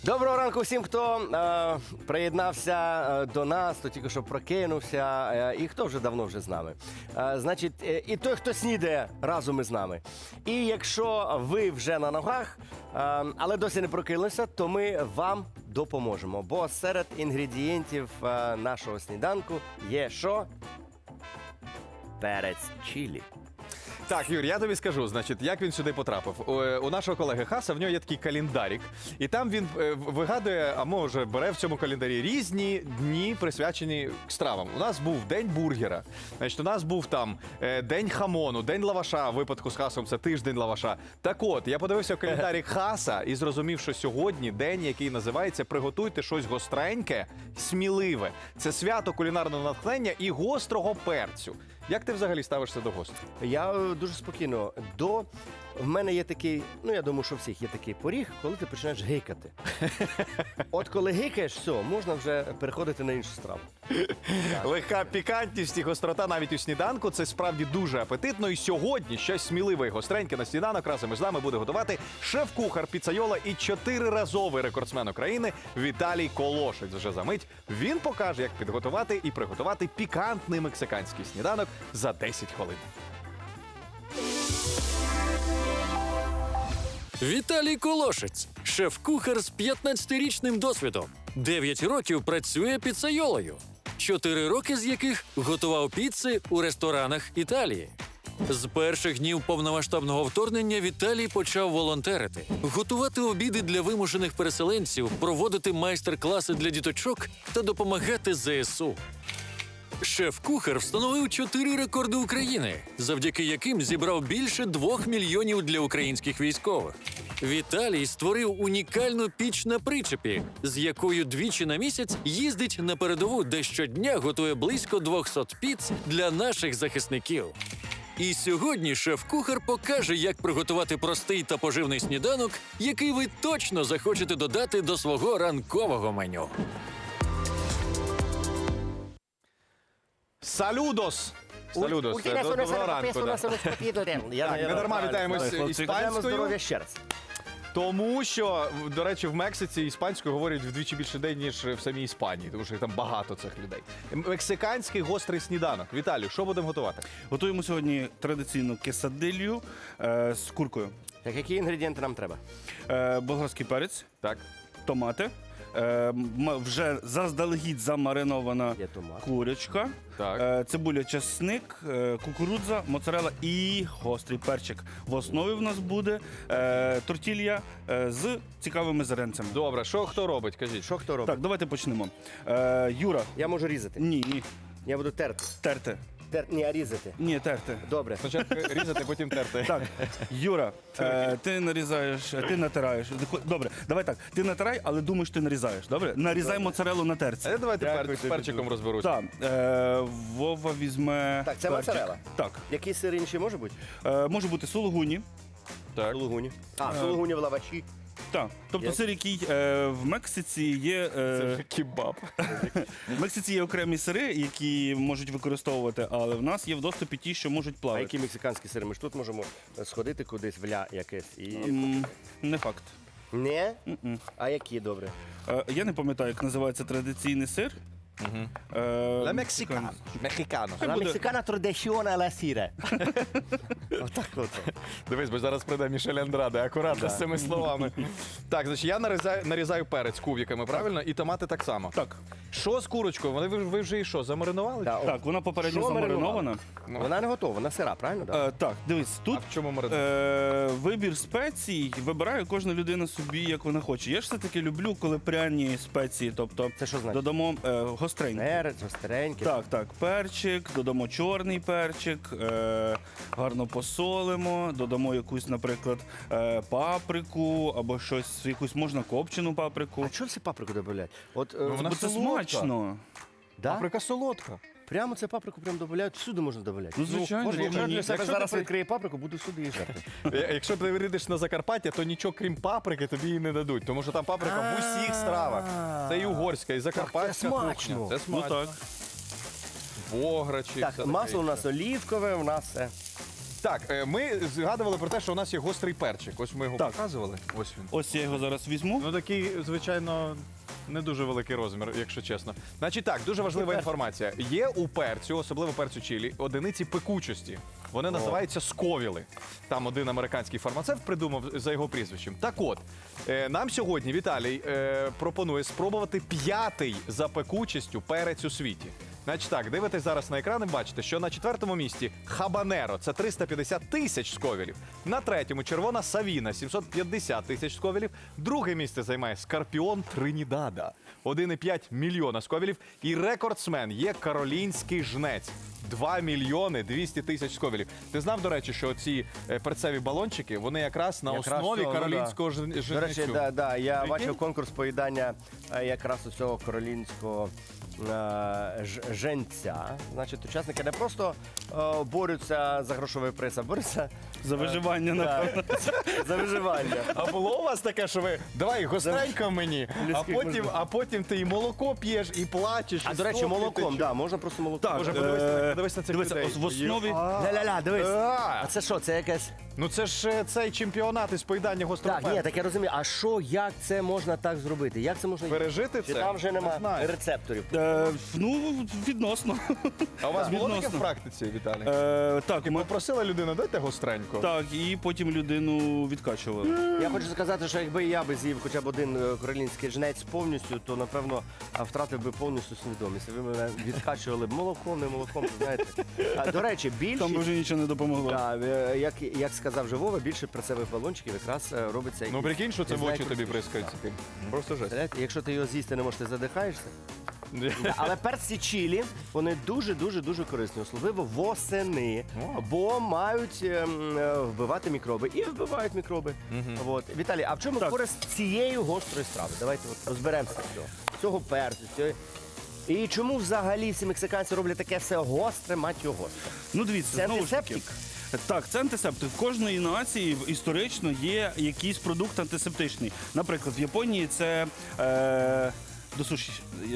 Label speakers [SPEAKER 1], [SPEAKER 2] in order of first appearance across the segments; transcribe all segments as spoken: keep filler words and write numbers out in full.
[SPEAKER 1] Доброго ранку всім, хто е, приєднався е, до нас, хто тільки що прокинувся, е, і хто вже давно вже з нами. Е, значить, е, і той, хто снідає разом із нами. І якщо ви вже на ногах, е, але досі не прокинулися, то ми вам допоможемо. Бо серед інгредієнтів е, нашого сніданку є що? Перець чилі.
[SPEAKER 2] Так, Юр, я тобі скажу, значить, як він сюди потрапив. У, у нашого колеги Хаса в нього є такий календарик, і там він е, вигадує, а може бере в цьому календарі різні дні, присвячені стравам. У нас був день бургера, значить, у нас був там е, день хамону, день лаваша, в випадку з Хасом це тиждень лаваша. Так от, я подивився в календарик Хаса і зрозумів, що сьогодні день, який називається «Приготуйте щось гостреньке, сміливе». Це свято кулінарного натхнення і гострого перцю. Як ти взагалі ставишся до гостей?
[SPEAKER 1] Я е, дуже спокійно. До в мене є такий, ну я думаю, що у всіх є такий поріг, коли ти починаєш гикати. От коли гикаєш, все, можна вже переходити на іншу страву.
[SPEAKER 2] Легка пікантність і гострота навіть у сніданку – це справді дуже апетитно. І сьогодні щось сміливе і гостреньке на сніданок разом із нами буде готувати шеф-кухар піцайола і чотириразовий рекордсмен України Віталій Колошець. Вже за мить він покаже, як підготувати і приготувати пікантний мексиканський сніданок за десять хвилин.
[SPEAKER 3] Віталій Колошець – шеф-кухар з п'ятнадцятирічним досвідом. дев'ять років працює піцайолою. чотири роки з яких готував піци у ресторанах Італії. З перших днів повномасштабного вторгнення Віталій почав волонтерити, готувати обіди для вимушених переселенців, проводити майстер-класи для діточок та допомагати зе ес у. Шеф-кухар встановив чотири рекорди України, завдяки яким зібрав більше двох мільйонів для українських військових. Віталій створив унікальну піч на причепі, з якою двічі на місяць їздить на передову, де щодня готує близько двохсот піц для наших захисників. І сьогодні шеф-кухар покаже, як приготувати простий та поживний сніданок, який ви точно захочете додати до свого ранкового меню.
[SPEAKER 2] Салюдос! Салюдос! Це Доброго ранку. да. Так, не дарма вітаємось іспанською.
[SPEAKER 1] Здоров'я ще раз.
[SPEAKER 2] Тому що, до речі, в Мексиці іспанською говорять вдвічі більше день, ніж в самій Іспанії, тому що там багато цих людей. Мексиканський гострий сніданок. Віталію, що будемо готувати?
[SPEAKER 4] Готуємо сьогодні традиційну кесадилью е, з куркою.
[SPEAKER 1] Так, які інгредієнти нам треба?
[SPEAKER 4] Е, болгарський перець,
[SPEAKER 2] Так.
[SPEAKER 4] томати, е, м- вже заздалегідь замаринована
[SPEAKER 1] Є томат.
[SPEAKER 4] курочка,
[SPEAKER 2] Так.
[SPEAKER 4] е, цибуля, часник, е, кукурудза, моцарелла і гострий перчик. В основі в нас буде е, тортілья е, з цікавими зеренцями.
[SPEAKER 2] Добре, що хто робить, кажіть?
[SPEAKER 1] Що хто робить?
[SPEAKER 4] Так, давайте почнемо. Е, Юра,
[SPEAKER 1] Я можу різати.
[SPEAKER 4] ні, ні,
[SPEAKER 1] Я буду терти.
[SPEAKER 4] терти.
[SPEAKER 1] Тер... Ні, а різати.
[SPEAKER 4] Ні, терти.
[SPEAKER 1] Добре.
[SPEAKER 2] Спочатку різати, потім терти.
[SPEAKER 4] Так, Юра, е, ти нарізаєш, ти натираєш. Добре, давай так. Ти натирай, але думаєш, ти нарізаєш. Добре? Нарізай моцарелу на терці.
[SPEAKER 2] А давайте
[SPEAKER 1] Дякую
[SPEAKER 2] пер... з
[SPEAKER 1] тобі
[SPEAKER 2] перчиком
[SPEAKER 1] дуже.
[SPEAKER 2] розберуся.
[SPEAKER 4] Так, е, Вова візьме.
[SPEAKER 1] Так, це
[SPEAKER 4] перчик.
[SPEAKER 1] моцарелла?
[SPEAKER 4] Так.
[SPEAKER 1] Який сир інший може бути?
[SPEAKER 4] Е, може бути сулугуні.
[SPEAKER 2] Так.
[SPEAKER 1] Сулугуні. А, сулугуні в лаваші.
[SPEAKER 4] Так. Тобто
[SPEAKER 1] Є.
[SPEAKER 4] сир, який е, в Мексиці є. Е,
[SPEAKER 2] Кебаб.
[SPEAKER 4] в Мексиці є окремі сири, які можуть використовувати, але в нас є в доступі ті, що можуть
[SPEAKER 1] А
[SPEAKER 4] плавати.
[SPEAKER 1] які мексиканські сири? Ми ж тут можемо сходити кудись в ля якесь і...
[SPEAKER 4] М, Не факт.
[SPEAKER 1] Не? А які, добре?
[SPEAKER 4] Е, я не пам'ятаю, як називається традиційний сир. Е,
[SPEAKER 2] Ла мексикано. Мексикано.
[SPEAKER 1] La
[SPEAKER 4] буде-
[SPEAKER 1] mexicana tradizione la sire. Отак от.
[SPEAKER 2] Дивись, бо зараз прийде Мішель Андраде, акуратно
[SPEAKER 1] Да.
[SPEAKER 2] з цими словами. Так, значить, я нарізаю, нарізаю перець кубиками, правильно? І томати так само.
[SPEAKER 4] Так.
[SPEAKER 2] Що з курочкою? Вони ви, ви вже і що, замаринували?
[SPEAKER 1] Да, о.
[SPEAKER 4] Так, вона попередньо
[SPEAKER 1] Що
[SPEAKER 4] замаринована.
[SPEAKER 1] Вона не готова, вона сира, правильно? Да?
[SPEAKER 4] Е, так, дивись,
[SPEAKER 2] А
[SPEAKER 4] тут
[SPEAKER 2] в чому маринувати?
[SPEAKER 4] е, вибір спецій вибирає кожна людина собі, як вона хоче. Я ж все-таки люблю, коли пряні спеції, тобто
[SPEAKER 1] Це що значить?
[SPEAKER 4] додамо е, гостренькі.
[SPEAKER 1] Перець, гостренький.
[SPEAKER 4] Так, так, перчик, додамо чорний перчик, е, гарно посолимо, додамо якусь, наприклад, е, паприку або щось, якусь можна копчену паприку.
[SPEAKER 1] А чого всі паприку додають? От, е,
[SPEAKER 2] Ну, вона
[SPEAKER 4] Бо це
[SPEAKER 2] солодка.
[SPEAKER 4] смачно.
[SPEAKER 1] да?
[SPEAKER 2] Паприка солодка.
[SPEAKER 1] Прямо це паприку прям додають, всюди можна додати.
[SPEAKER 4] Ну, звичайно,
[SPEAKER 1] Боже, якщо
[SPEAKER 4] чому ні?
[SPEAKER 1] я для себе
[SPEAKER 2] Якщо
[SPEAKER 1] зараз
[SPEAKER 2] ти-
[SPEAKER 1] відкриє паприку, буду всюди її жерти.
[SPEAKER 2] Е, Якщо ти вирідиш на Закарпаття, то нічого крім паприки тобі і не дадуть, тому що там паприка в усіх стравах. Це і угорська, і закарпатська
[SPEAKER 1] це смачно.
[SPEAKER 2] кухня. Це
[SPEAKER 4] Ну
[SPEAKER 2] смачно.
[SPEAKER 4] так.
[SPEAKER 2] Бограчі.
[SPEAKER 1] Так,
[SPEAKER 2] все
[SPEAKER 1] масло у
[SPEAKER 2] таке
[SPEAKER 1] нас олівкове, у нас все.
[SPEAKER 2] Так, е, ми згадували про те, що у нас є гострий перчик. Ось ми його
[SPEAKER 4] Так.
[SPEAKER 2] показували. Ось він.
[SPEAKER 4] Ось я його зараз візьму.
[SPEAKER 2] Ну такий, звичайно, не дуже великий розмір, якщо чесно. Значить так, дуже важлива інформація. Є у перцю, особливо перцю чилі, одиниці пекучості. Вони називаються сковіли. Там один американський фармацевт придумав за його прізвищем. Так от, е, нам сьогодні Віталій е, пропонує спробувати п'ятий за пекучістю перець у світі. Значить так, дивитесь зараз на екран і бачите, що на четвертому місці хабанеро – це триста п'ятдесят тисяч сковілів. На третьому червона савіна – сімсот п'ятдесят тисяч сковілів. Друге місце займає скорпіон Тринідада – один і п'ять мільйона сковілів. І рекордсмен є каролінський жнець – два мільйони двісті тисяч сковілів. Ти знав, до речі, що ці е, перцеві балончики, вони якраз на
[SPEAKER 1] Якраз
[SPEAKER 2] основі
[SPEAKER 1] цього, ну,
[SPEAKER 2] каролінського
[SPEAKER 1] да.
[SPEAKER 2] жн- жнецю.
[SPEAKER 1] До речі, да, да, я
[SPEAKER 2] Прикинь?
[SPEAKER 1] бачив конкурс поїдання е, якраз у цього каролінського е, ж- женця. Значить, учасники не просто е, борються за грошовий приз, а борються
[SPEAKER 4] За виживання, напевно.
[SPEAKER 1] да, за виживання.
[SPEAKER 2] А було у вас таке, що ви давай гостренько мені, а
[SPEAKER 1] Людських
[SPEAKER 2] потім,
[SPEAKER 1] можливостей.
[SPEAKER 2] а потім ти і молоко п'єш, і плачеш.
[SPEAKER 1] А
[SPEAKER 2] і
[SPEAKER 1] до речі,
[SPEAKER 2] соплі
[SPEAKER 1] молоком,
[SPEAKER 2] течуть.
[SPEAKER 1] да, можна просто молоком.
[SPEAKER 4] Так,
[SPEAKER 2] Боже,
[SPEAKER 4] е,
[SPEAKER 2] подивись на- подивись на цих
[SPEAKER 4] дивися,
[SPEAKER 2] людей.
[SPEAKER 4] ось в основі...
[SPEAKER 1] Ля-ля-ля, дивись.
[SPEAKER 2] А,
[SPEAKER 1] А це що, це якесь...
[SPEAKER 2] ну це ж е, цей чемпіонат із поїдання гострого
[SPEAKER 1] Так, ні,
[SPEAKER 2] перцю.
[SPEAKER 1] так я розумію. А що, як це можна так зробити? Як це можна...
[SPEAKER 2] Пережити
[SPEAKER 1] Чи
[SPEAKER 2] це?
[SPEAKER 1] там вже
[SPEAKER 2] Не
[SPEAKER 1] нема
[SPEAKER 2] знаю.
[SPEAKER 1] рецепторів?
[SPEAKER 4] Е, ну, відносно.
[SPEAKER 2] А у вас було таке
[SPEAKER 4] Відносно.
[SPEAKER 2] в практиці, Віталій?
[SPEAKER 4] Е, так,
[SPEAKER 2] І
[SPEAKER 4] ми,
[SPEAKER 2] попросила людина, дайте гостренько.
[SPEAKER 4] так, і потім людину відкачували.
[SPEAKER 1] Я хочу сказати, що якби я би з'їв хоча б один е, каролінський жнець повністю, то напевно а, втратив би повністю свідомість. Ви мене відкачували б молоком, не молоком, то знаєте. А, до речі,
[SPEAKER 4] Там би
[SPEAKER 1] більшість,
[SPEAKER 4] вже нічого не допомогло.
[SPEAKER 1] да, е, як, як сказав вже Вова, більше перцевих балончиків якраз е, робиться.
[SPEAKER 2] Ну
[SPEAKER 1] якийсь-
[SPEAKER 2] прикинь, що це
[SPEAKER 1] не
[SPEAKER 2] в
[SPEAKER 1] знаю,
[SPEAKER 2] очі тобі
[SPEAKER 1] крутіший.
[SPEAKER 2] бризкають. Просто жесть.
[SPEAKER 1] Представляєте, якщо ти його з'їсти не можеш, ти задихаєшся. Да, але перці чилі, вони дуже-дуже-дуже корисні, особливо восени,
[SPEAKER 2] О.
[SPEAKER 1] бо мають ем, е, вбивати мікроби. І вбивають мікроби. От. Віталій, а в чому
[SPEAKER 4] Так.
[SPEAKER 1] користь цієї гострої страви? Давайте от розберемося з цього. Цього перцю. Цього... І чому взагалі всі мексиканці роблять таке все гостре, мать його гостре?
[SPEAKER 4] Ну, дивіться,
[SPEAKER 1] Це
[SPEAKER 4] знову ж таки.
[SPEAKER 1] антисептик?
[SPEAKER 4] Так, це антисептик. В кожної нації історично є якийсь продукт антисептичний. Наприклад, в Японії це е, до суші,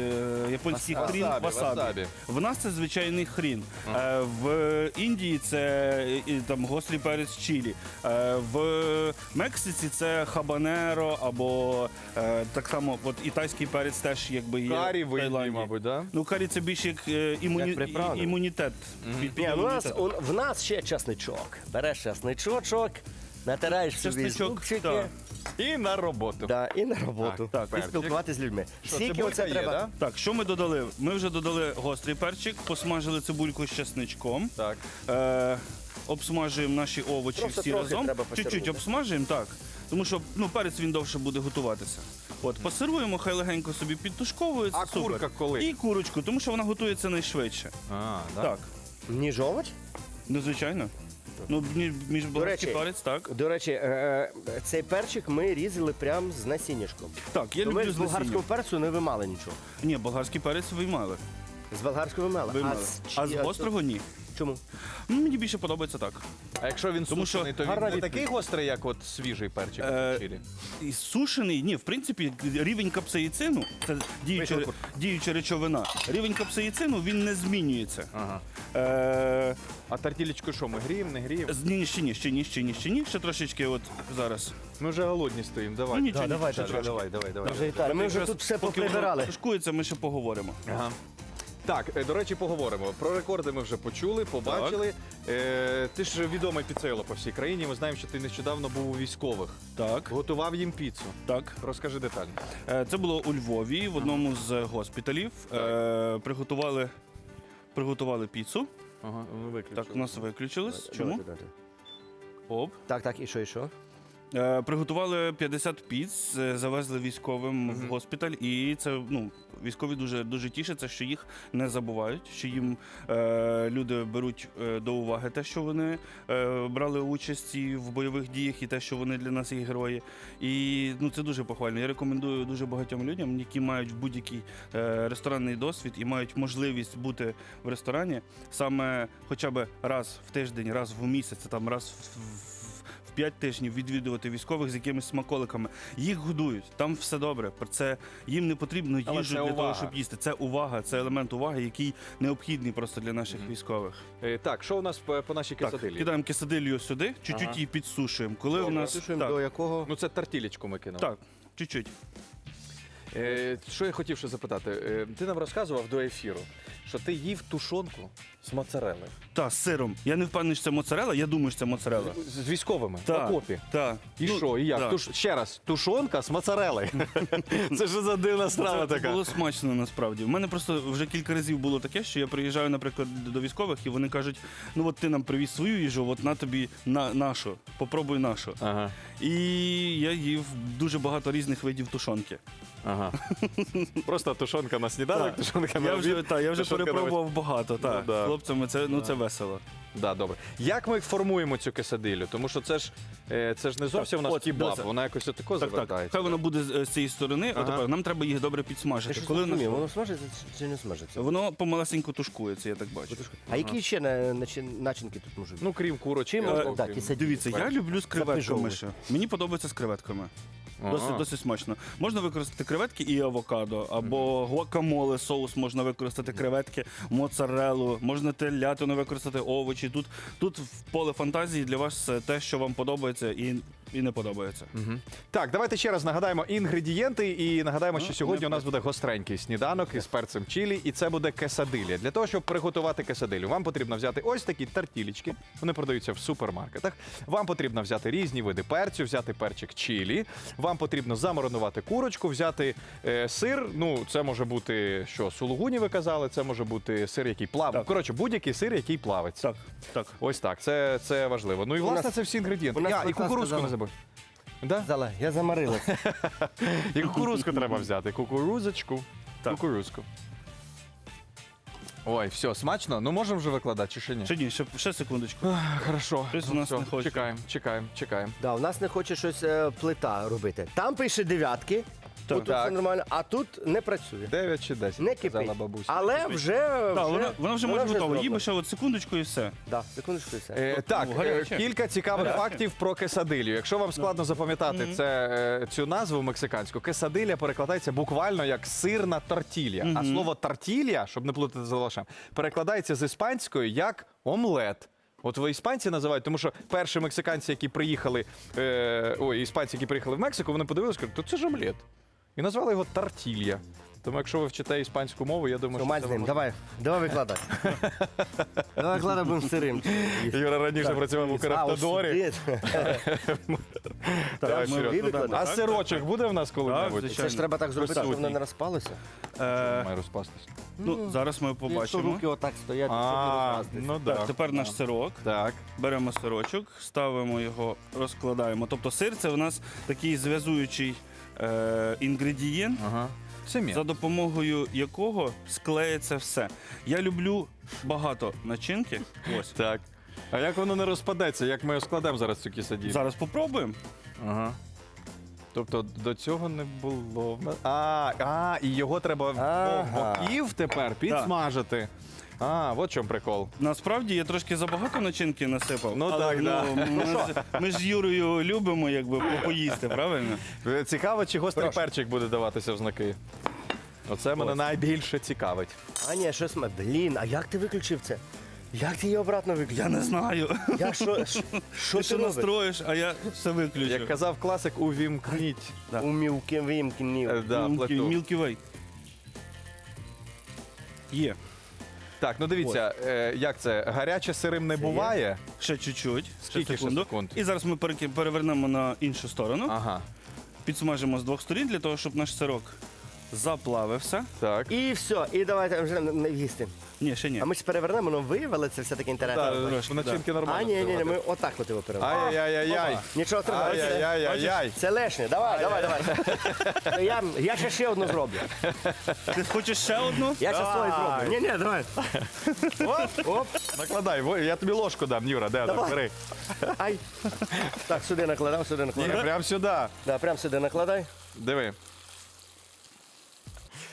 [SPEAKER 4] е, японський
[SPEAKER 1] Васабі.
[SPEAKER 4] хрін
[SPEAKER 2] Васабі,
[SPEAKER 4] васабі.
[SPEAKER 2] васабі.
[SPEAKER 4] В нас це звичайний хрін. Е, в Індії це і, там гострий перець чилі. Е, в Мексиці це хабанеро або е, так само от, і тайський перець теж якби є.
[SPEAKER 2] Карі
[SPEAKER 4] в
[SPEAKER 2] в Індії,
[SPEAKER 4] Таїланді.
[SPEAKER 2] мабуть, да?
[SPEAKER 4] Ну, карі це більше як е, імуні...
[SPEAKER 1] Як приправа.
[SPEAKER 4] і- імунітет. Під- під
[SPEAKER 1] Ні, ну, у нас,
[SPEAKER 4] імунітет.
[SPEAKER 1] у, в нас ще часничок. Береш часничочок, натираєш собі
[SPEAKER 4] Часничок,
[SPEAKER 1] зубчики.
[SPEAKER 4] так.
[SPEAKER 2] І на роботу.
[SPEAKER 1] Да, і на роботу.
[SPEAKER 2] Так,
[SPEAKER 1] і
[SPEAKER 2] перчик.
[SPEAKER 1] спілкуватися з людьми.
[SPEAKER 2] Що,
[SPEAKER 1] Скільки
[SPEAKER 2] цибулька
[SPEAKER 1] оце
[SPEAKER 2] є,
[SPEAKER 1] треба?
[SPEAKER 2] да?
[SPEAKER 4] Так, що ми додали? Ми вже додали гострий перчик, посмажили цибульку з чесничком.
[SPEAKER 2] Так.
[SPEAKER 4] Е, обсмажуємо наші овочі
[SPEAKER 1] Просто
[SPEAKER 4] всі
[SPEAKER 1] трохи
[SPEAKER 4] разом.
[SPEAKER 1] треба
[SPEAKER 4] Чуть-чуть
[SPEAKER 1] посирувати.
[SPEAKER 4] обсмажуємо, так. Тому що ну, перець він довше буде готуватися. От, посируємо, хай легенько собі підтушковується.
[SPEAKER 2] А
[SPEAKER 4] супер.
[SPEAKER 2] курка коли?
[SPEAKER 4] І курочку, тому що вона готується найшвидше.
[SPEAKER 2] А, да?
[SPEAKER 4] Так,
[SPEAKER 1] Ніж овоч?
[SPEAKER 4] ну звичайно. Ну, мі- між болгарський
[SPEAKER 1] речі,
[SPEAKER 4] перець, так.
[SPEAKER 1] До речі, е, цей перчик ми різали прямо з насіннячком.
[SPEAKER 4] Так, я
[SPEAKER 1] То ми
[SPEAKER 4] люблю
[SPEAKER 1] з
[SPEAKER 4] з
[SPEAKER 1] болгарського
[SPEAKER 4] насінням.
[SPEAKER 1] перцю не вимали нічого.
[SPEAKER 4] Ні, болгарський перець виймали.
[SPEAKER 1] З болгарського вимали.
[SPEAKER 4] виймали.
[SPEAKER 1] А
[SPEAKER 4] А
[SPEAKER 1] з,
[SPEAKER 4] з
[SPEAKER 1] чи-
[SPEAKER 4] гострого ні.
[SPEAKER 1] Чому?
[SPEAKER 4] Ну, мені більше подобається так.
[SPEAKER 2] А якщо він
[SPEAKER 4] Тому що
[SPEAKER 2] сушений, то він
[SPEAKER 1] гарна
[SPEAKER 2] не
[SPEAKER 1] відповідь.
[SPEAKER 2] такий гострий, як от свіжий перчик
[SPEAKER 4] Е,
[SPEAKER 2] в чилі?
[SPEAKER 4] І сушений, ні, в принципі, рівень капсаїцину, це діюча,
[SPEAKER 1] Вийшов.
[SPEAKER 4] діюча речовина, рівень капсаїцину він не змінюється.
[SPEAKER 2] Ага.
[SPEAKER 4] Е,
[SPEAKER 2] А тартілечку що, ми гріємо, не гріємо?
[SPEAKER 4] з- ні, ще ні, ще ні, ще ні, ще ні, ще трошечки от зараз.
[SPEAKER 2] Ми вже голодні стоїмо, давай.
[SPEAKER 4] Ну, нічого,
[SPEAKER 1] Да,
[SPEAKER 4] нічого,
[SPEAKER 1] давайте,
[SPEAKER 4] ще
[SPEAKER 2] давай,
[SPEAKER 4] трошки.
[SPEAKER 2] давай, давай, давай.
[SPEAKER 1] Вже Віталій, ми вже
[SPEAKER 4] Якраз
[SPEAKER 1] тут все
[SPEAKER 4] поки воно
[SPEAKER 1] поприбирали.
[SPEAKER 4] тушкується, ми ще поговоримо.
[SPEAKER 2] Ага. Так, е, до речі, поговоримо. Про рекорди ми вже почули, побачили. Е, ти ж відомий піцейоло по всій країні. Ми знаємо, що ти нещодавно був у військових.
[SPEAKER 4] Так,
[SPEAKER 2] Готував їм піцу.
[SPEAKER 4] так.
[SPEAKER 2] Розкажи детально.
[SPEAKER 4] Е, Це було у Львові, в одному з госпіталів. Е, Приготували, приготували піцу.
[SPEAKER 2] Ага, ну виключили.
[SPEAKER 4] Так, у нас виключилось. Чому?
[SPEAKER 1] Давайте, давайте.
[SPEAKER 4] Оп.
[SPEAKER 1] Так, так, і що, і що?
[SPEAKER 4] Е, Приготували п'ятдесят піц, е, завезли військовим в госпіталь, і це ну військові дуже дуже тішаться, що їх не забувають, що їм е, люди беруть е, до уваги те, що вони е, брали участь і в бойових діях, і те, що вони для нас є герої. І ну це дуже похвально. Я рекомендую дуже багатьом людям, які мають будь-який е, ресторанний досвід і мають можливість бути в ресторані саме хоча б раз в тиждень, раз в місяць, там раз в. в в п'ять тижнів відвідувати військових з якимись смаколиками. Їх годують, там все добре. Про це їм не потрібно
[SPEAKER 2] Але
[SPEAKER 4] їжу
[SPEAKER 2] це
[SPEAKER 4] для
[SPEAKER 2] увага.
[SPEAKER 4] того, щоб їсти. Це увага, це елемент уваги, який необхідний просто для наших військових.
[SPEAKER 2] Е, Так, що у нас по, по нашій
[SPEAKER 4] Так,
[SPEAKER 2] кесадилі?
[SPEAKER 4] кидаємо кисадилью сюди, чуть-чуть
[SPEAKER 2] Ага.
[SPEAKER 4] її підсушуємо. Коли у
[SPEAKER 1] Добре,
[SPEAKER 4] нас
[SPEAKER 1] слушаємо,
[SPEAKER 4] так,
[SPEAKER 1] до якого?
[SPEAKER 2] Ну це тартілечку ми кинули.
[SPEAKER 4] так, чуть-чуть.
[SPEAKER 2] Е, що я хотів ще запитати? Е, ти нам розказував до ефіру, що ти їв тушонку з моцарели.
[SPEAKER 4] Так, з сиром. Я не впевнений, що це моцарела, я думаю, що це моцарела.
[SPEAKER 2] З, з військовими в
[SPEAKER 4] Так,
[SPEAKER 2] окопі.
[SPEAKER 4] так.
[SPEAKER 2] І
[SPEAKER 4] Ну,
[SPEAKER 2] що, і як?
[SPEAKER 4] так.
[SPEAKER 2] Туш... Ще раз, тушонка з моцарели. Це ж за дивна страва
[SPEAKER 4] Це
[SPEAKER 2] така.
[SPEAKER 4] було смачно насправді. У мене просто вже кілька разів було таке, що я приїжджаю, наприклад, до військових, і вони кажуть: ну от ти нам привіз свою їжу, от на тобі на нашу, попробуй нашу.
[SPEAKER 2] Ага,
[SPEAKER 4] І я їв дуже багато різних видів тушонки.
[SPEAKER 2] ага. Просто тушонка на сніданок,
[SPEAKER 4] Так.
[SPEAKER 2] тушонка на
[SPEAKER 4] Я вже,
[SPEAKER 2] обід.
[SPEAKER 4] та, я вже
[SPEAKER 2] тушонка на
[SPEAKER 4] перепробував багато. Так.
[SPEAKER 2] Ну, да.
[SPEAKER 4] З хлопцями це, ну, це весело.
[SPEAKER 2] Да, добре. Як ми формуємо цю кесадилю? Тому що це ж, е, це ж не зовсім у нас
[SPEAKER 4] от,
[SPEAKER 2] кебаб,
[SPEAKER 4] дивися.
[SPEAKER 2] вона якось отако
[SPEAKER 4] Так, так.
[SPEAKER 2] завертається.
[SPEAKER 4] Хай вона буде з, з цієї сторони,
[SPEAKER 2] Ага.
[SPEAKER 4] а тепер нам треба їх добре
[SPEAKER 1] Я
[SPEAKER 4] підсмажити.
[SPEAKER 1] щось
[SPEAKER 4] Коли
[SPEAKER 1] не розумію,
[SPEAKER 4] нас-
[SPEAKER 1] воно смажиться чи не смажиться?
[SPEAKER 4] Воно помалесенько тушкується, я так бачу.
[SPEAKER 1] А які ще на- начи- начинки тут можуть бути?
[SPEAKER 2] Ну, крім курочки.
[SPEAKER 1] Чим
[SPEAKER 2] або
[SPEAKER 1] можна- так,
[SPEAKER 2] крім-
[SPEAKER 1] і сидіти.
[SPEAKER 4] Дивіться, я люблю з креветками
[SPEAKER 1] Запижовуй.
[SPEAKER 4] ще. Мені подобається з креветками.
[SPEAKER 2] Ага.
[SPEAKER 4] Досить, досить смачно. Можна використати креветки і авокадо, або гуакамоле, соус можна використати креветки, моцарелу, можна телятину використати, овочі. Тут, тут в поле фантазії для вас те, що вам подобається і, і не подобається.
[SPEAKER 2] Мгм. Так, давайте ще раз нагадаємо інгредієнти і нагадаємо, що
[SPEAKER 4] Ну,
[SPEAKER 2] сьогодні
[SPEAKER 4] не
[SPEAKER 2] у нас буде гостренький сніданок із перцем чилі, і це буде кесадилля. Для того, щоб приготувати кесадилю, вам потрібно взяти ось такі тартілечки. Вони продаються в супермаркетах. Вам потрібно взяти різні види перцю, взяти перчик чилі. Вам потрібно замаринувати курочку, взяти е, сир. Ну, це може бути що, сулугуні ви казали, це може бути сир, який плаває.
[SPEAKER 4] Так.
[SPEAKER 2] Коротше, будь-який сир, який плавиться.
[SPEAKER 4] Так, так.
[SPEAKER 2] Ось так, це, це важливо. Ну і
[SPEAKER 1] У
[SPEAKER 2] власне
[SPEAKER 1] нас-
[SPEAKER 2] це всі інгредієнти.
[SPEAKER 1] у нас
[SPEAKER 2] Я, і
[SPEAKER 1] Лука
[SPEAKER 2] кукурузку
[SPEAKER 1] сказала.
[SPEAKER 2] не забудь. Да?
[SPEAKER 1] Зала, я замарилася.
[SPEAKER 2] І кукурузку треба взяти. Кукурузочку.
[SPEAKER 4] Так.
[SPEAKER 2] Кукурузку. Ой, все, смачно? Ну можемо вже викладати, чи ще ні?
[SPEAKER 4] Ще ні, ще, ще секундочку.
[SPEAKER 2] Ах, Хорошо.
[SPEAKER 4] Щось у нас
[SPEAKER 2] Все,
[SPEAKER 4] не хоче.
[SPEAKER 2] Чекаємо, чекаємо, чекаємо.
[SPEAKER 1] Да, у нас не хоче щось е, плита робити. Там пише дев'ятки,
[SPEAKER 4] Так.
[SPEAKER 1] тут все
[SPEAKER 2] Так.
[SPEAKER 1] нормально, а тут не працює.
[SPEAKER 2] Дев'ять чи десять,
[SPEAKER 1] Не
[SPEAKER 2] казала
[SPEAKER 1] кипить.
[SPEAKER 2] бабуся.
[SPEAKER 1] Але вже,
[SPEAKER 4] Так,
[SPEAKER 1] вже
[SPEAKER 4] вона, вона вже може готова. Їй
[SPEAKER 1] зроблена.
[SPEAKER 4] би ще от секундочку і все.
[SPEAKER 1] Да, секундочку і все.
[SPEAKER 2] Е, так,
[SPEAKER 4] Ну,
[SPEAKER 2] е,
[SPEAKER 4] гаряче.
[SPEAKER 2] кілька цікавих
[SPEAKER 4] Гаряче.
[SPEAKER 2] фактів про кесадилю. Якщо вам складно запам'ятати це, е, цю назву мексиканську, кесадиля перекладається буквально як сирна тортілля. А слово тортілля, щоб не плутати з лавашем, перекладається з іспанської як омлет. От ви іспанці називають, тому що перші мексиканці, які приїхали, е, ой, іспанці, які приїхали в Мексику, вони подивилися, кажуть, то це ж омлет. І назвали його тортілля. Тому якщо ви вчите іспанську мову, я думаю,
[SPEAKER 1] Що,
[SPEAKER 2] що
[SPEAKER 1] мать
[SPEAKER 2] це
[SPEAKER 1] з ним,
[SPEAKER 2] вам-
[SPEAKER 1] давай, давай викладай. Давай викладай, будемо сирим.
[SPEAKER 2] Юра раніше працював у Караптадорі.
[SPEAKER 4] Так, ми
[SPEAKER 2] Серьо.
[SPEAKER 4] викладаємо,
[SPEAKER 2] А
[SPEAKER 4] так?
[SPEAKER 2] сирочок буде в нас коли-небудь?
[SPEAKER 4] звичайно.
[SPEAKER 1] Це ж треба так зробити, щоб воно
[SPEAKER 2] Присутній.
[SPEAKER 1] не розпалося.
[SPEAKER 4] Е,
[SPEAKER 2] Має розпастись.
[SPEAKER 4] ну, зараз ми
[SPEAKER 1] Якщо
[SPEAKER 4] побачимо.
[SPEAKER 1] руки отак стоять, щоб не
[SPEAKER 2] А,
[SPEAKER 1] розпастись.
[SPEAKER 2] ну
[SPEAKER 4] Так,
[SPEAKER 2] так.
[SPEAKER 4] тепер наш сирок.
[SPEAKER 2] Так.
[SPEAKER 4] Беремо сирочок, ставимо його, розкладаємо. Тобто сир це у нас такий зв'язуючий е, інгредієнт,
[SPEAKER 2] Ага. Сем'я.
[SPEAKER 4] за допомогою якого склеїться все. Я люблю багато начинки. Ось.
[SPEAKER 2] Так. А як воно не розпадеться? Як ми складемо зараз цю кісадію?
[SPEAKER 4] Зараз попробуємо.
[SPEAKER 2] Ага. Тобто до цього не було. в нас- А, а, і його треба
[SPEAKER 1] Ага.
[SPEAKER 2] в боків тепер підсмажити. А, от в чому прикол.
[SPEAKER 4] Насправді я трошки забагато начинки насипав.
[SPEAKER 2] Ну,
[SPEAKER 4] але,
[SPEAKER 2] так, да.
[SPEAKER 4] ми, ж, ми ж з Юрою любимо якби по- поїсти, правильно?
[SPEAKER 2] Е, Цікаво, чи гострий
[SPEAKER 1] Прошу.
[SPEAKER 2] перчик буде даватися в знаки. Оце мене
[SPEAKER 4] Ось.
[SPEAKER 2] найбільше цікавить.
[SPEAKER 1] А ні, щось ми. Блін, а як ти виключив це? Як ти її обратно виключив?
[SPEAKER 4] Я не знаю.
[SPEAKER 1] Я що, що, що
[SPEAKER 4] Ти
[SPEAKER 1] ти
[SPEAKER 4] що
[SPEAKER 1] робиш?
[SPEAKER 4] настроїш, а я все виключу.
[SPEAKER 2] Як казав класик, увімкніть
[SPEAKER 4] Да.
[SPEAKER 1] У мілки вимкнів.
[SPEAKER 2] е, да,
[SPEAKER 4] Мілкі-
[SPEAKER 2] плиту.
[SPEAKER 4] Milky Way. Є.
[SPEAKER 2] Так, ну дивіться, е, як це? Гаряче сирим не
[SPEAKER 1] Це
[SPEAKER 2] буває.
[SPEAKER 4] Ще чуть-чуть.
[SPEAKER 2] Скільки ще
[SPEAKER 4] секунду.
[SPEAKER 2] секунд?
[SPEAKER 4] І зараз ми переки- перевернемо на іншу сторону.
[SPEAKER 2] Ага.
[SPEAKER 4] Підсмажимо з двох сторін для того, щоб наш сирок заплавився.
[SPEAKER 2] Так.
[SPEAKER 1] І все, і давайте вже не- не їсти.
[SPEAKER 4] Ні, ще ні.
[SPEAKER 1] А ми ж перевернемо, воно виявили, це все-таки інтересно.
[SPEAKER 2] Так,
[SPEAKER 4] трошки,
[SPEAKER 2] начинки
[SPEAKER 1] А,
[SPEAKER 2] нормально.
[SPEAKER 1] ні, ні, ні,
[SPEAKER 2] встигати.
[SPEAKER 1] ми отак от його перевернемо.
[SPEAKER 2] Ай-яй-яй-яй.
[SPEAKER 1] Нічого страшного. це-
[SPEAKER 2] Ай-яй-яй-яй.
[SPEAKER 1] Це лишнє. Давай, давай, давай. Я, я ще ще одну зроблю.
[SPEAKER 4] Ти хочеш ще одну?
[SPEAKER 1] Я ще свою
[SPEAKER 2] Давай.
[SPEAKER 1] зроблю. Ні, ні, давай. Оп, оп.
[SPEAKER 2] Накладай, во- я тобі ложку дам, Юра, де так,
[SPEAKER 1] Давай.
[SPEAKER 2] бери.
[SPEAKER 1] Ай. Так, сюди накладав, сюди
[SPEAKER 2] Ні,
[SPEAKER 1] накладав.
[SPEAKER 2] прям сюди.
[SPEAKER 1] Да, прям сюди накладай.
[SPEAKER 2] Диви.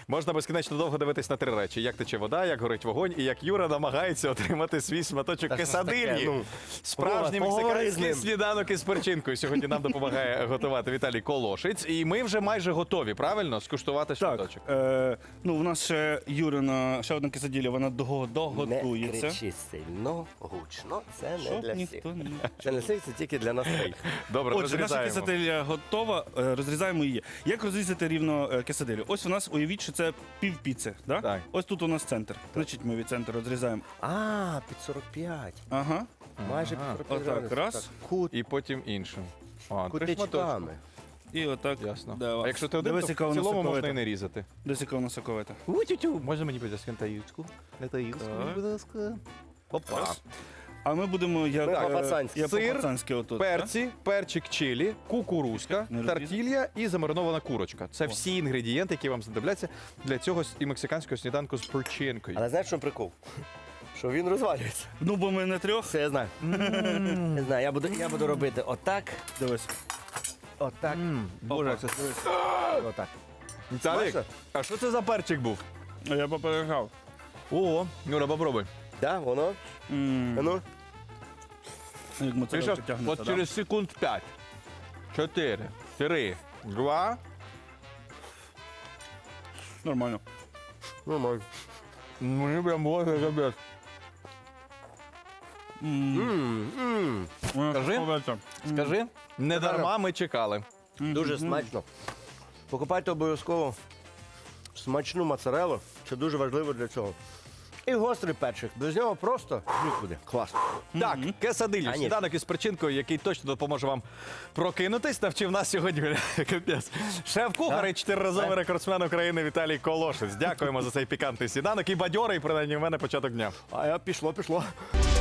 [SPEAKER 2] Можна безкінечно довго дивитись на три речі: як тече вода, як горить вогонь, і як Юра намагається отримати свій шматочок
[SPEAKER 1] Та що ж таке,
[SPEAKER 2] кесадильї.
[SPEAKER 1] ну?
[SPEAKER 2] Справжній
[SPEAKER 1] Вова, поговори з
[SPEAKER 2] мексиканський
[SPEAKER 1] ним.
[SPEAKER 2] сніданок із перчинкою. Сьогодні нам допомагає готувати Віталій Колошиць. І ми вже майже готові, правильно, скуштувати
[SPEAKER 4] Так,
[SPEAKER 2] шматочок.
[SPEAKER 4] е, ну, у нас ще Юрина, ще одна кисаділя, вона дого-
[SPEAKER 1] Не
[SPEAKER 4] доготується.
[SPEAKER 1] кричи сильно, гучно, це не
[SPEAKER 4] Щоб
[SPEAKER 1] для всіх.
[SPEAKER 4] ніхто не...
[SPEAKER 1] Це не всіх, це тільки для нас троїх.
[SPEAKER 2] Добре,
[SPEAKER 4] Отже, наша
[SPEAKER 2] розрізаємо.
[SPEAKER 4] кисаделя готова, е, розрізаємо її. Як розрізати рівно е, кисаделю? Ось у нас, уявіть, що це пів піци, да?
[SPEAKER 2] Так.
[SPEAKER 4] Ось тут у нас центр. Значить, ми від центру розрізаємо.
[SPEAKER 1] А, під сорок п'ять.
[SPEAKER 4] Ага.
[SPEAKER 1] Майже під сорок п'ять
[SPEAKER 4] Отак,
[SPEAKER 1] градусів.
[SPEAKER 4] раз.
[SPEAKER 1] Так, Кут,
[SPEAKER 2] І потім іншим. А, три шматочки.
[SPEAKER 1] кутичками.
[SPEAKER 4] І отак.
[SPEAKER 2] Ясно.
[SPEAKER 4] Да,
[SPEAKER 2] А якщо ти один,
[SPEAKER 4] Дивись,
[SPEAKER 2] то
[SPEAKER 4] яка
[SPEAKER 2] в
[SPEAKER 4] вона
[SPEAKER 2] цілому можна
[SPEAKER 4] соковита.
[SPEAKER 2] і не різати.
[SPEAKER 4] Дивись, яка вона соковита.
[SPEAKER 2] У-тю-тю. Може мені буде таїчку? Не таїчку,
[SPEAKER 4] Так.
[SPEAKER 2] будь ласка. Опа.
[SPEAKER 4] Раз. А ми будемо як,
[SPEAKER 1] Ми
[SPEAKER 4] е,
[SPEAKER 1] по-пацанськи.
[SPEAKER 4] як
[SPEAKER 2] Сир,
[SPEAKER 4] по-пацанськи отут.
[SPEAKER 2] Перці, перчик чилі, кукурузка,
[SPEAKER 4] Не розрізати?
[SPEAKER 2] тартілья і замаринована курочка. Це всі інгредієнти, які вам знадобляться для цього с- і мексиканського сніданку з перчинкою.
[SPEAKER 1] Але знаєш, що прикол? Що він розвалюється.
[SPEAKER 4] Ну, бо ми не трьох.
[SPEAKER 1] Це я знаю. Не знаю, я буду, я буду робити отак,
[SPEAKER 4] Дивись.
[SPEAKER 1] отак,
[SPEAKER 2] Боже,
[SPEAKER 4] Опа.
[SPEAKER 2] це
[SPEAKER 1] отак.
[SPEAKER 2] Віталік,
[SPEAKER 1] Смачно?
[SPEAKER 2] а що це за перчик був?
[SPEAKER 4] А я поперегав.
[SPEAKER 2] О, Юра, попробуй.
[SPEAKER 1] Да, воно?
[SPEAKER 4] М,
[SPEAKER 1] А ну.
[SPEAKER 4] Як
[SPEAKER 2] Ти
[SPEAKER 4] моцарелка
[SPEAKER 2] що,
[SPEAKER 4] тягнеться,
[SPEAKER 2] от
[SPEAKER 4] да?
[SPEAKER 2] через секунд п'ять, чотири, три, два.
[SPEAKER 4] Нормально.
[SPEAKER 1] Нормально.
[SPEAKER 2] Мені прям може капець.
[SPEAKER 4] М,
[SPEAKER 1] М, м.
[SPEAKER 4] вона
[SPEAKER 2] Скажи.
[SPEAKER 4] соковита.
[SPEAKER 2] Скажи, не
[SPEAKER 1] Нормально.
[SPEAKER 2] дарма ми чекали.
[SPEAKER 1] Дуже смачно. Покупайте обов'язково смачну моцарелу. Це дуже важливо для цього. І гострий перчик. Без нього просто нікуди. Класно.
[SPEAKER 2] Так, кесадилью,
[SPEAKER 1] А, ні.
[SPEAKER 2] сніданок із перчинкою, який точно допоможе вам прокинутись, навчив нас сьогодні. Капець. Шеф-кухар
[SPEAKER 1] Да?
[SPEAKER 2] і чотириразовий рекордсмен України Віталій Колошиць. Дякуємо за цей пікантний сніданок і бадьорий, принаймні, в мене початок дня.
[SPEAKER 1] А я пішло, пішло.